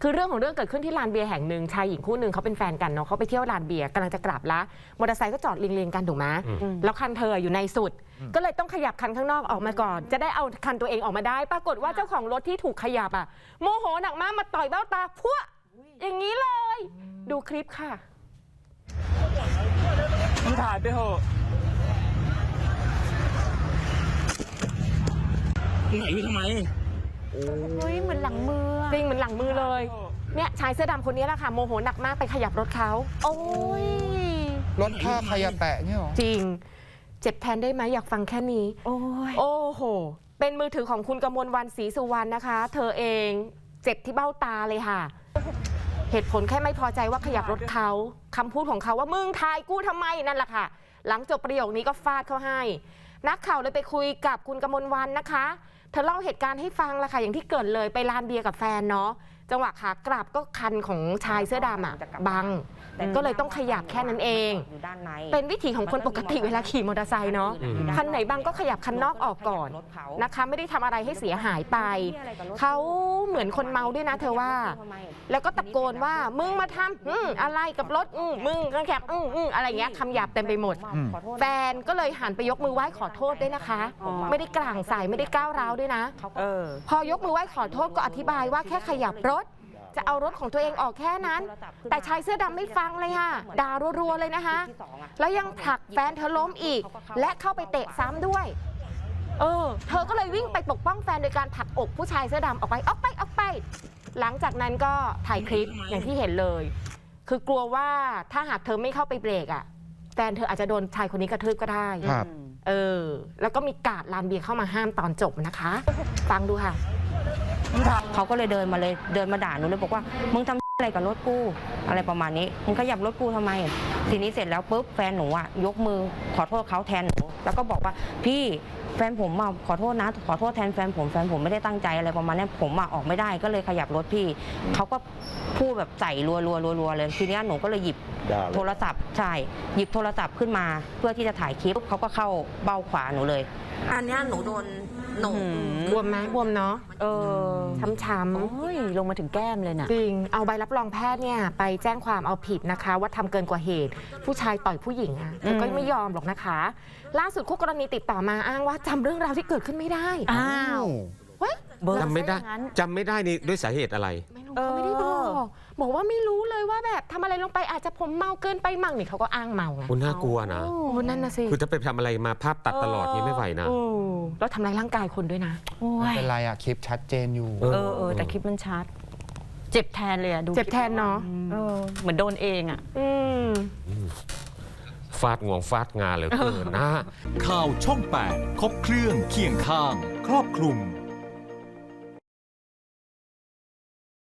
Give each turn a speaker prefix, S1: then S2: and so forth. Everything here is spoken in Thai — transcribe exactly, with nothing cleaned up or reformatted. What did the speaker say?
S1: คือเรื่องของเรื่องเกิดขึ้นที่ลานเบียร์แห่งหนึ่งชายหญิงคู่หนึ่งเขาเป็นแฟนกันเนาะเขาไปเที่ยวลานเบียร์กำลังจะกลับละมอเตอร์ไซค์ก็จอดเรียงๆกันถูกไหมแล้วคันเธออยู่ในสุดก็เลยต้องขยับคันข้างนอกออกมาก่อนจะได้เอาคันตัวเองออกมาได้ปรากฏว่าเจ้าของรถที่ถูกขยับอ่ะโมโหหนักมากมาต่อยเบ้าตาพัวอย่างนี้เลยดูคลิปค่ะ
S2: มึงถ่ายไปเถอะมึงไหนอยู่ทำไม
S3: เฮ้ยเหมือนหลังมือ
S1: จริงเหมือนหลังมือเลยเนี่ยชายเสื้อดำคนนี้แหละค่ะโมโหหนักมากไปขยับรถเขา
S3: โอ้ย
S4: รถค่าใครแตะเนี่ยหรอ
S1: จริงเจ็บแทนได้ไหมอยากฟังแค่นี้
S3: โอ้ย
S1: โอ้โหเป็นมือถือของคุณกมลวรรณศรีสุวรรณนะคะเธอเองเจ็บที่เบ้าตาเลยค่ะเหตุผลแค่ไม่พอใจว่าขยับรถเขาคำพูดของเขาว่ามึงทายกูทำไมนั่นแหละค่ะหลังจบประโยคนี้ก็ฟาดเขาให้นักข่าวเลยไปคุยกับคุณกมลวรรณนะคะเธอเล่าเหตุการณ์ให้ฟังละค่ะอย่างที่เกิดเลยไปลานเบียร์กับแฟนเนาะจังหวะขากลับก็คันของชายเสื้อดำอ่ะบังก็เลยต้องขยับแค่นั้นเองเป็นวิถีของคนปกติเวลาขี่มอเตอร์ไซค์เนาะคันไหนบังก็ขยับคันนอกออกก่อนนะคะไม่ได้ทำอะไรให้เสียหายไปเขาเหมือนคนเมาด้วยนะเธอว่าแล้วก็ตะโกนว่ามึงมาทำอืมอะไรกับรถอืมมึงกระแคบอืมอืมอะไรเงี้ยคำหยาบเต็มไปหมดแฟนก็เลยหันไปยกมือไหว้ขอโทษด้วยนะคะไม่ได้กลางใส่ไม่ได้ก้าวร้าวด้วยนะพอยกมือไหว้ขอโทษก็อธิบายว่าแค่ขยับรถจะเอารถของตัวเองออกแค่นั้นแต่ชายเสื้อดำไม่ฟังเลยค่ะด่ารัวๆเลยนะคะแล้วยังผลักแฟนเธอล้มอีกและเข้าไปเตะซ้ำด้วยเออเธอก็เลยวิ่งไปปกป้องแฟนโดยการผลักอกผู้ชายเสื้อดำออกไปออกไปออกไปหลังจากนั้นก็ถ่ายคลิปอย่างที่เห็นเลยคือกลัวว่าถ้าหากเธอไม่เข้าไปเบรกอ่ะแฟนเธออาจจะโดนชายคนนี้กระทืบก็ได้เออแล้วก็มีกาดลานเบียร์เข้ามาห้ามตอนจบนะคะฟังดูค่ะ
S3: เขาก็เลยเดินมาเลยเดินมาด่าหนูเลยบอกว่ามึงทำอะไรกับรถกูอะไรประมาณนี้มึงขยับรถกูทำไมทีนี้เสร็จแล้วปุ๊บแฟนหนูอ่ะยกมือขอโทษเขาแทนหนูแล้วก็บอกว่าพี่แฟนผมมาขอโทษนะขอโทษแทนแฟนผมแฟนผมไม่ได้ตั้งใจอะไรประมาณนี้ผมมาออกไม่ได้ก็เลยขยับรถพี่เขาก็พูดแบบใส่รัวรัวรัวเลยทีนี้หนูก็เลยหยิบโทรศัพท์ใช่หยิบโทรศัพท์ขึ้นมาเพื่อที่จะถ่ายคลิปเขาก็เข้าเบ้าขวาหนูเลยอันนี้หนูโดนหนู
S1: บวมไหมบวมเนาะเออช้ำๆ
S3: โอ้ยลงมาถึงแก้มเลยนะ
S1: จริงเอาใบรับรองแพทย์เนี่ยไปแจ้งความเอาผิดนะคะว่าทำเกินกว่าเหตุผู้ชายต่อยผู้หญิงอ่ะเธอก็ไม่ยอมหรอกนะคะล่าสุดคู่กรณีติดต่อมาอ้างว่าจำเรื่องราวที่เกิดขึ้นไม่ได้
S3: อ้าว
S5: จำไม่ได้จำไม่ได้นี่ด้วยสาเหตุอะไร
S1: ไม่รู้เขาไม่ได้บอกบอกว่าไม่รู้เลยว่าแบบทำอะไรลงไปอาจจะผมเมาเกินไปมั่งนี่เขาก็อ้างเมาไง
S5: คุณน่ากลัวนะ
S1: นั่นนะสิ
S5: คือถ้าไปทำอะไรมาภาพตัดตลอดนี่ไม่ไหวนะ
S1: แล้วทำร้ายร่างกายคนด้วยนะ
S4: ไม่เป็นไรอะคลิปชัดเจนอยู่
S3: เออเออแต่คลิปมันชัดเจ็บแทนเลยอะดู
S1: เจ็บแทนเนาะ
S3: เหมือนโดนเองอะ
S5: ฟาดงวงฟาดงาเลยเกินนะ
S6: ข่าวช่องแปดครบเครื่องเคียงข้างครอบคลุม